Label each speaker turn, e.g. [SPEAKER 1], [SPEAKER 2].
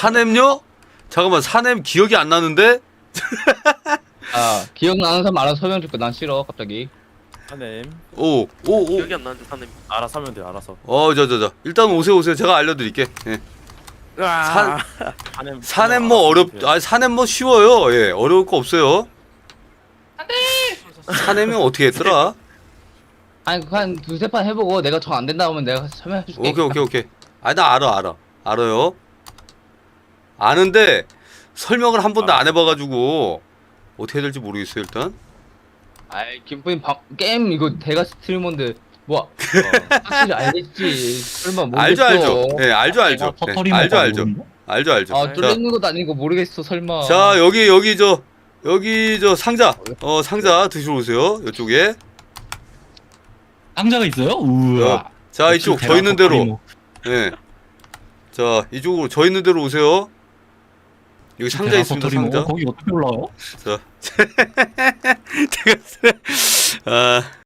[SPEAKER 1] 사냄요? 잠깐만 사냄 기억이 안 나는데?
[SPEAKER 2] 아 기억나는 사람 알아서 설명 줄게. 난 싫어 갑자기.
[SPEAKER 3] 사냄.
[SPEAKER 1] 오.
[SPEAKER 4] 기억이 안 나는데 사님.
[SPEAKER 3] 알아서 하면 돼요. 알아서.
[SPEAKER 1] 저. 일단 오세요. 제가 알려드릴게. 예.
[SPEAKER 3] 사냄.
[SPEAKER 1] 사냄 뭐 사냄 뭐 쉬워요. 예, 어려울 거 없어요. 사냄이 어떻게 했더라?
[SPEAKER 2] 아니 한 두세 판 해보고 내가 정 안 된다 하면 내가 설명해줄게.
[SPEAKER 1] 오케이. 아, 나 알아요. 아는데 설명을 한 번도 안 해봐가지고 어떻게 될지 모르겠어요 일단.
[SPEAKER 2] 아이 김부인 게임 이거 대가 스트리머인데 뭐 확실히 알겠지. 설마 모르겠어.
[SPEAKER 1] 알죠. 예, 알죠. 네, 알죠.
[SPEAKER 2] 아 뚫리는 것도 아니고 모르겠어 설마.
[SPEAKER 1] 자 여기 저 상자 상자 드시러 오세요 이쪽에.
[SPEAKER 5] 상자가 있어요? 우와.
[SPEAKER 1] 자 이쪽 저 있는 대로. 예. 자 이쪽으로 저 있는 대로 오세요. 여기 상자 있습니다 상자.
[SPEAKER 5] 거기 어떻게 올라와요?
[SPEAKER 1] 자 제가 아